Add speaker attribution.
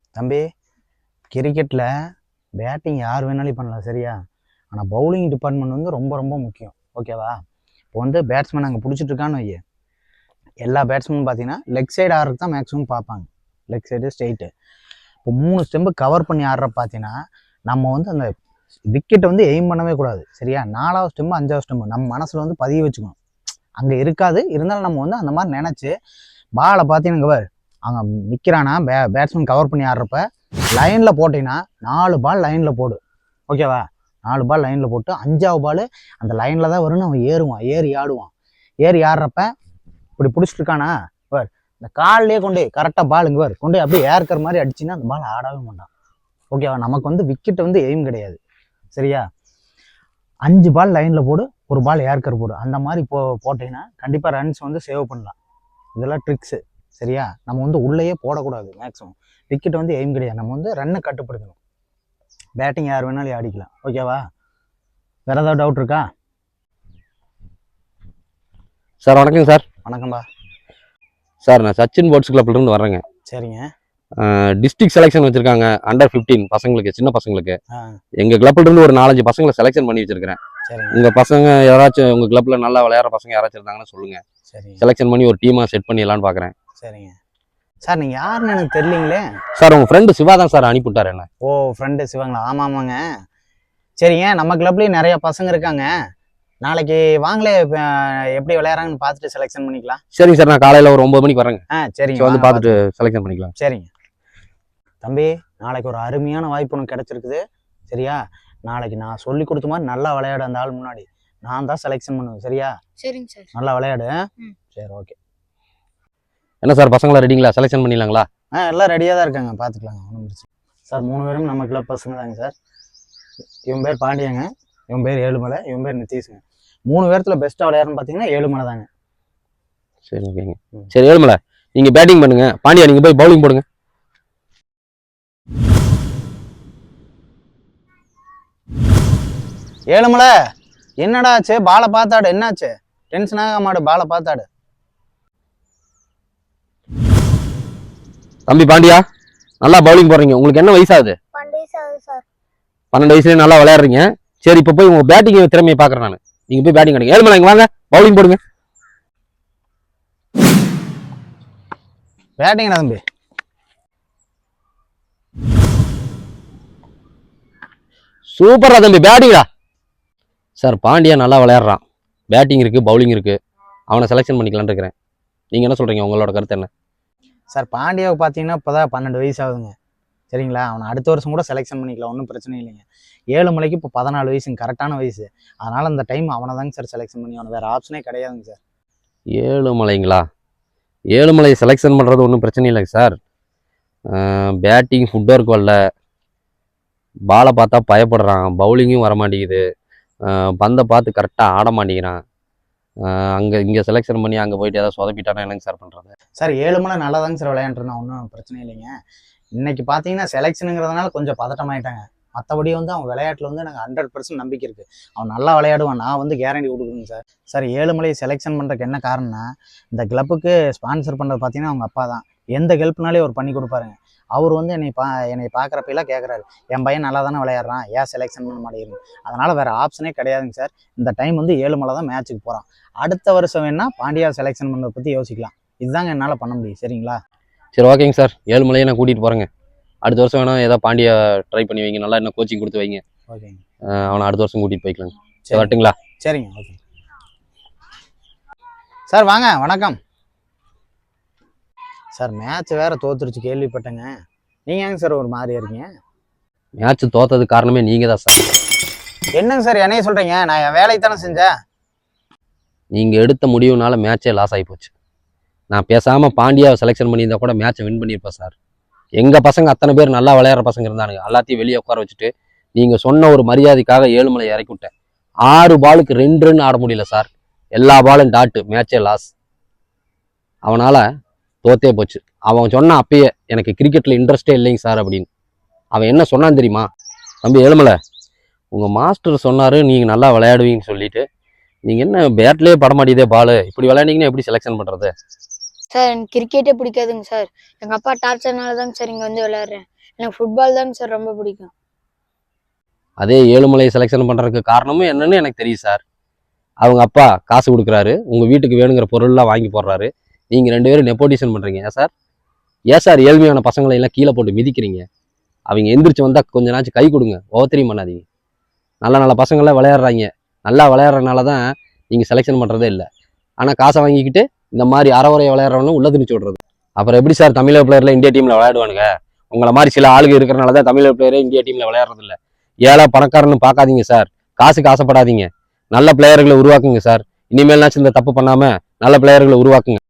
Speaker 1: தம்பி, கிரிக்கெட்டில் பேட்டிங் யார் வேணாலும் பண்ணலாம் சரியா? ஆனால் பவுலிங் டிபார்ட்மெண்ட் வந்து ரொம்ப ரொம்ப முக்கியம். ஓகேவா? இப்போ வந்து பேட்ஸ்மேன் அங்கே பிடிச்சிட்டு இருக்கான்னு வைய, எல்லா பேட்ஸ்மேனும் பார்த்தீங்கன்னா லெக் சைடு ஆடுறதுக்கு தான் மேக்ஸிமம் பார்ப்பாங்க. Leg side straight. இப்போ 3 ஸ்டெம்பு கவர் பண்ணி ஆடுற பார்த்தீங்கன்னா நம்ம வந்து அந்த விக்கெட்டை வந்து எய்ம் பண்ணவே கூடாது சரியா? 4வது ஸ்டெம்பு 5வது ஸ்டெம்பு நம்ம மனசில் வந்து பதிய வச்சுக்கணும். அங்கே இருக்காது, இருந்தாலும் நம்ம வந்து அந்த மாதிரி நினச்சி பாலை பார்த்தீங்கன்னா அங்கே நிற்கிறானா பேட்ஸ்மேன் கவர் பண்ணி ஆடுறப்ப லைனில் போட்டிங்கன்னா 4 பால் லைனில் போடு. ஓகேவா? 4 பால் லைனில் போட்டு 5வது பால் அந்த லைனில் தான் வரும்னு அவன் ஏறுவான், ஏறி ஆடுவான். ஏறி ஆடுறப்ப இப்படி பிடிச்சிட்டு இருக்கானா இந்த கால்லேயே கொண்டு கரெக்டாக பால் இங்கே கொண்டு அப்படியே ஏற்கிற மாதிரி அடிச்சுன்னா அந்த பால் ஆடவே மாட்டான். ஓகேவா? நமக்கு வந்து விக்கெட் வந்து எய்ம் கிடையாது சரியா? 5 பால் லைனில் போடு, 1 பால் ஏற்கர் போடு. அந்த மாதிரி போட்டிங்கன்னா கண்டிப்பாக ரன்ஸ் வந்து சேவ் பண்ணலாம். இதெல்லாம் ட்ரிக்ஸு சரியா? நம்ம வந்து உள்ளேயே போடக்கூடாது. மேக்ஸிமம் விக்கெட் வந்து எய்ம் கிடையாது. நம்ம வந்து ரன்னை கட்டுப்படுத்தணும். பேட்டிங் யார் வேணாலும் ஆடிக்கலாம். ஓகேவா? வேற ஏதாவது டவுட் இருக்கா?
Speaker 2: சார் வணக்கம் சார்.
Speaker 1: வணக்கம்பா
Speaker 2: சார், நான் சச்சின் ஸ்போர்ட்ஸ் கிளப்லேருந்து வரேங்க.
Speaker 1: சரிங்க.
Speaker 2: டிஸ்ட்ரிக்ட் செலெக்ஷன் வச்சிருக்காங்க அண்டர் 15 பசங்களுக்கு, சின்ன பசங்களுக்கு. எங்கள் கிளப்லேருந்து ஒரு 4-5 பசங்களை செலெக்ஷன் பண்ணி வச்சிருக்கிறேன். உங்கள் பசங்க யாராச்சும் உங்கள் கிளப்பில் நல்லா விளையாடுற பசங்க யாராச்சும் இருந்தாங்கன்னு சொல்லுங்கள். சரி, செலெக்ஷன் பண்ணி ஒரு டீமாக செட் பண்ணிடலான்னு பார்க்குறேன்.
Speaker 1: சரிங்க சார். நீங்கள் யாருன்னு எனக்கு தெரியலீங்களே.
Speaker 2: சார், உங்கள் ஃப்ரெண்டு சிவா தான் சார் அனுப்பிவிட்டார் என்ன.
Speaker 1: ஓ, ஃப்ரெண்டு சிவாங்களா? ஆமாம் ஆமாங்க. சரிங்க, நம்ம கிளப்லேயும் நிறைய பசங்க இருக்காங்க. நாளைக்கு வாங்களே, எப்படி விளையாடுறாங்கன்னு பார்த்துட்டு செலெக்ஷன் பண்ணிக்கலாம்.
Speaker 2: சரிங்க சார், நான் காலையில் ஒரு 9 மணிக்கு வரேங்க.
Speaker 1: சரிங்க,
Speaker 2: வந்து பார்த்துட்டு செலெக்ஷன் பண்ணிக்கலாம்.
Speaker 1: சரிங்க தம்பி, நாளைக்கு ஒரு அருமையான வாய்ப்பு ஒன்று கிடச்சிருக்குது சரியா? நாளைக்கு நான் சொல்லி கொடுத்த மாதிரி நல்லா விளையாடு. அந்த ஆள் முன்னாடி நான் தான் செலெக்ஷன் பண்ணுவேன் சரியா?
Speaker 3: சரிங்க சார்.
Speaker 1: நல்லா விளையாடு. சரி, ஓகே.
Speaker 2: என்ன சார், பசங்களா ரெடிங்களா? செலெக்ஷன் பண்ணிடலாங்களா?
Speaker 1: எல்லாம் ரெடியாக தான் இருக்காங்க, பார்த்துக்கலாங்க, ஒன்றும் பிரச்சனை சார். 3 பேரும் நம்ம கிளப் பசங்க தாங்க சார். இவன் பேர் பாண்டியங்க, இவன் பேர் ஏழுமலை, இவன் பேர் நித்தீஷுங்க. 3 பேர்த்தில் பெஸ்ட்டாக விளையாடுன்னு பார்த்தீங்கன்னா ஏழுமலை தாங்க.
Speaker 2: சரி, ஓகேங்க. சரி ஏழுமலை, நீங்கள் பேட்டிங் பண்ணுங்க. பாண்டியா, நீங்கள் போய் பவுலிங் போடுங்க.
Speaker 1: ஏழுமலை, என்னடா ஆச்சு? பாலை பார்த்தாடு. என்னாச்சு? டென்ஷன் ஆக மாடு, பாலை பார்த்தாடு.
Speaker 2: தம்பி பாண்டியா, நல்லா பவுலிங் போடுறீங்க. உங்களுக்கு என்ன வயசாகுது? 12 வயசுலேயே நல்லா விளையாடுறீங்க. சரி, இப்போ போய் உங்க பேட்டிங் திறமையை பார்க்குறேன் நான். நீங்கள் போய் பேட்டிங் பண்ணுங்க. ஏழுமலை, இங்கே வாங்க, பவுலிங் போடுங்க.
Speaker 1: பேட்டிங்கடா தம்பி.
Speaker 2: சூப்பரா தம்பி, பேட்டிங்கடா. சார், பாண்டியா நல்லா விளையாடுறான். பேட்டிங் இருக்குது, பவுலிங் இருக்குது. அவனை செலெக்ஷன் பண்ணிக்கலான்னு இருக்கிறேன். நீங்கள் என்ன சொல்கிறீங்க? உங்களோட கருத்து என்ன?
Speaker 1: சார், பாண்டியாவை பார்த்தீங்கன்னா இப்போ தான் 12 வயசு ஆகுதுங்க சரிங்களா? அவனை அடுத்த வருஷம் கூட செலெக்ஷன் பண்ணிக்கலாம், ஒன்றும் பிரச்சனை இல்லைங்க. ஏழுமலைக்கு இப்போ 14 வயசுங்க, கரெக்டான வயசு. அதனால் அந்த டைம் அவனை தாங்க சார் செலெக்ஷன் பண்ணி, அவனை வேறு ஆப்ஷனே கிடையாதுங்க சார்.
Speaker 2: ஏழுமலைங்களா? ஏழுமலை செலெக்ஷன் பண்ணுறது ஒன்றும் பிரச்சனை இல்லைங்க சார். பேட்டிங் ஃபுட் ஒர்க் வரல, பாலை பார்த்தா பயப்படுறான், பவுலிங்கும் வர மாட்டேங்குது, பந்தை பார்த்து கரெக்டாக ஆட மாட்டேங்கிறான். இங்கே செலெக்ஷன் பண்ணி அங்கே போயிட்டு ஏதாவது சொதப்பிட்டானா என்னங்க சார் பண்ணுறது?
Speaker 1: சார், ஏழுமலை நல்லா தாங்க சார் விளையாண்டுருந்தான், ஒன்றும் பிரச்சனை இல்லைங்க. இன்னைக்கு பார்த்தீங்கன்னா செலெக்ஷனுங்கிறதுனால கொஞ்சம் பதட்டமாயிட்டாங்க. மற்றபடி வந்து அவன் விளையாட்டில் வந்து எனக்கு 100% நம்பிக்கை இருக்குது. அவன் நல்லா விளையாடுவான், நான் வந்து கேரண்டி கொடுக்குறேங்க சார். சார், ஏழுமலை செலெக்ஷன் பண்ணுறதுக்கு என்ன காரணம்னா, இந்த கிளப்புக்கு ஸ்பான்சர் பண்ணுறது பார்த்தீங்கன்னா அவங்க அப்பா தான். எந்த ஹெல்ப்னாலே அவர் பண்ணி கொடுப்பாருங்க. அவர் வந்து என்னை பார்க்குறப்பெல்லாம் கேட்குறாரு, என் பையன் நல்லா தானே விளையாடுறான், ஏன் செலெக்ஷன் பண்ண மாட்டேங்குது. அதனால் வேறு ஆப்ஷனே கிடையாதுங்க சார். இந்த டைம் வந்து ஏழுமலை தான் மேட்ச்சுக்கு போகிறான். அடுத்த வருஷம் வேணால் பாண்டியா செலெக்ஷன் பண்ணுறதை பற்றி யோசிக்கலாம். இதுதாங்க என்னால் பண்ண முடியும் சரிங்களா?
Speaker 2: சரி, ஓகேங்க சார். ஏழுமலையை நான் கூட்டிகிட்டு போகிறேங்க. அடுத்த வருஷம் வேணால் ஏதாவது பாண்டியா ட்ரை பண்ணி வைங்க, நல்லா என்ன கோச்சிங் கொடுத்து வைங்க.
Speaker 1: ஓகேங்க,
Speaker 2: அவனை அடுத்த வருஷம் கூட்டிகிட்டு போய்க்கலாங்க. சரி, வரட்டுங்களா?
Speaker 1: சரிங்க, ஓகே சார். வாங்க, வணக்கம் சார். மேட்ச் வேறு தோத்துருச்சு கேள்விப்பட்டேங்க. நீங்கள் ஏங்க சார் ஒரு மாதிரியா இருக்கீங்க?
Speaker 2: மேட்ச் தோத்தது காரணமே நீங்கள் தான் சார்.
Speaker 1: என்னங்க சார் என்னைய சொல்கிறீங்க? நான் என் வேலையை தானே செஞ்சேன்.
Speaker 2: நீங்கள் எடுத்த முடிவுனால மேட்சே லாஸ் ஆகி போச்சு. நான் பேசாமல் பாண்டியாவை செலெக்ஷன் பண்ணியிருந்தா கூட மேட்சை வின் பண்ணியிருப்பேன் சார். எங்கள் பசங்க அத்தனை பேர் நல்லா விளையாடுற பசங்க இருந்தானுங்க. எல்லாத்தையும் வெளியே உட்கார வச்சுட்டு நீங்கள் சொன்ன ஒரு மரியாதைக்காக ஏழுமலை இறக்கி விட்டேன். 6 பாலுக்கு 2 ரன் ஆட முடியல சார். எல்லா பாலும் டாட்டு, மேட்சே லாஸ். அவனால் தோத்தே போச்சு. அவன் சொன்னான் அப்பயே, எனக்கு கிரிக்கெட்டில் இன்ட்ரெஸ்டே இல்லைங்க சார் அப்படின்னு. அவன் என்ன சொன்னான் தெரியுமா? தம்பி ஏழுமலை, உங்கள் மாஸ்டர் சொன்னார் நீங்கள் நல்லா விளையாடுவீங்கன்னு சொல்லிட்டு, நீங்கள் என்ன பேட்லேயே பட மாட்டேதே பால், இப்படி விளையாண்டிங்கன்னா எப்படி செலெக்ஷன் பண்ணுறது?
Speaker 3: சார் எனக்கு கிரிக்கெட்டே பிடிக்காதுங்க சார். எங்கள் அப்பா டார்ச்சர்னால தாங்க சார் இங்கே வந்து விளையாடுறேன். எனக்கு ஃபுட்பால் தாங்க சார் ரொம்ப பிடிக்கும்.
Speaker 2: அதே ஏழுமலையை செலெக்ஷன் பண்ணுறதுக்கு காரணமும் என்னன்னு எனக்கு தெரியும் சார். அவங்க அப்பா காசு கொடுக்குறாரு, உங்கள் வீட்டுக்கு வேணுங்கிற பொருள்லாம் வாங்கி போடுறாரு. நீங்கள் 2 பேரும் நெப்போட்டிஷன் பண்ணுறீங்க. ஏன் சார் ஏழ்மையான பசங்களை எல்லாம் கீழே போட்டு மிதிக்கிறீங்க? அவங்க எந்திரிச்சு வந்தால் கொஞ்ச நாச்சும் கை கொடுங்க, ஓவத்திரியும் பண்ணாதீங்க. நல்ல நல்ல பசங்களாம் விளையாடுறாங்க. நல்லா விளையாடுறதுனால தான் நீங்கள் செலெக்ஷன் பண்ணுறதே இல்லை. ஆனால் காசை வாங்கிக்கிட்டு இந்த மாதிரி அறவுரையை விளையாடுறவங்களும் உள்ள திணிச்சு விட்றது. அப்புறம் எப்படி சார் தமிழக பிளேயர்ல இந்தியா டீமில் விளையாடுவானுங்க? உங்களை மாதிரி சில ஆளுங்க இருக்கிறனால தான் தமிழக பிளேயரே இந்தியா டீமில் விளையாடுறது இல்லை. ஏழை பணக்காரன்னு பார்க்காதீங்க சார். காசுக்கு ஆசைப்படாதீங்க. நல்ல பிளேயர்களை உருவாக்குங்க சார். இனிமேல்னாச்சும் இந்த தப்பு பண்ணாமல் நல்ல பிளேயர்களை உருவாக்குங்க.